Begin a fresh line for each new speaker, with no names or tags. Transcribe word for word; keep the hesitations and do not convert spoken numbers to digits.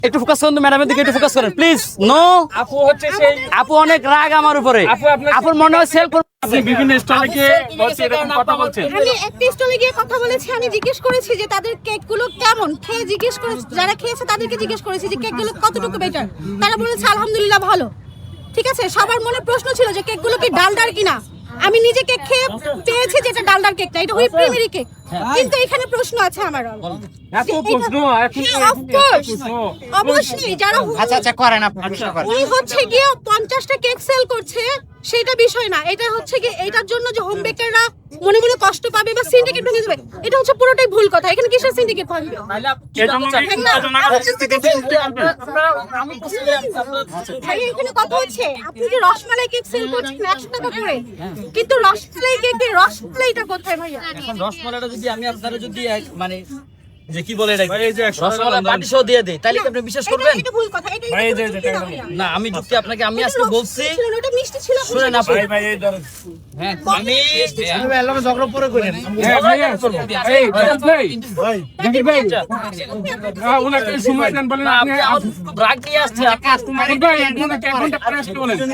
একটু ফোকাস করুন ম্যাডামের দিকে, একটু ফোকাস করেন প্লিজ। নো,
আপু হচ্ছে সেই
আপু অনেক রাগ আমার উপরে।
আপু আপনার
আপুর মনে হয় সেল করুন।
আপনি বিভিন্ন স্টলে গিয়ে বলছে এরকম কথা বলছেন।
আমি একটা স্টলে গিয়ে কথা বলেছি, আমি জিজ্ঞেস করেছি যে তাদের কেকগুলো কেমন, খেয়ে জিজ্ঞেস করেছি, যারা খেয়েছে তাদেরকে জিজ্ঞেস করেছি যে কেকগুলো কতটুকু বেটার। তারা বলেছে আলহামদুলিল্লাহ ভালো। ঠিক আছে, সবার মনে প্রশ্ন ছিল যে কেকগুলো কি ডালডার কিনা। আমি নিজে কেক খেয়ে পেয়েছি যে এটা ডালডার কেক না, এটা হুইপ ক্রিমেরি কেক। কিন্তু এখানে প্রশ্ন আছে আমার।
এত প্রশ্ন এখন
অফ কোর্স, অবশ্যই যারা
আচ্ছা আচ্ছা করেন আপনি।
উনি হচ্ছে গিয়ে পঞ্চাশটা কেক সেল করছে, সেটা বিষয় না। এটা হচ্ছে কি এটার জন্য যে হোম বেকাররা মনে মনে কষ্ট পাবে বা সিন্ডিকেট ভেঙে যাবে, এটা হচ্ছে পুরোটাই ভুল কথা। এখানে কিসের সিন্ডিকেট ভাঙবে? ভাই এখানে কথা হচ্ছে আপনি যে রসমালাই কেক সেল করছেন একশো টাকা করে, কিন্তু রসমালাই কেকের রসমালাইটা কোথায় ভাইয়া?
এখন রসমালাইটা যদি আমি আপনারা যদি এক- মানে যে কি বলে এটা
ভাই এই যে একশো টাকা
রসমালাই
দাম।
পাটি সহ দিয়ে দেই, তাহলে কি আপনি বিশ্বাস
এটা-
করবেন?
এটা ভুল কথা। এটা
ভাই, এই যে-
এটা
এটা
না
কেন?
ভাইয়া।
না আমি যুক্তি আপনাকে আমি আজকে
এটা
বলছি।
ছিল না, ওটা মিষ্টি ছিল।
শুনেন আপু,
ভাই ভাই এই ধরেন।
হ্যাঁ আমি
হ্যাঁ ভাই এই করবো। এই ভাই ভাই জাকির ভাই হ্যাঁ ওনাকে সময় দেন বলেন
না,
আপনি
আপনি আমার রাগ নিয়ে আসছেন।
ভাই এক ঘন্টা পরে আসতে বলেন।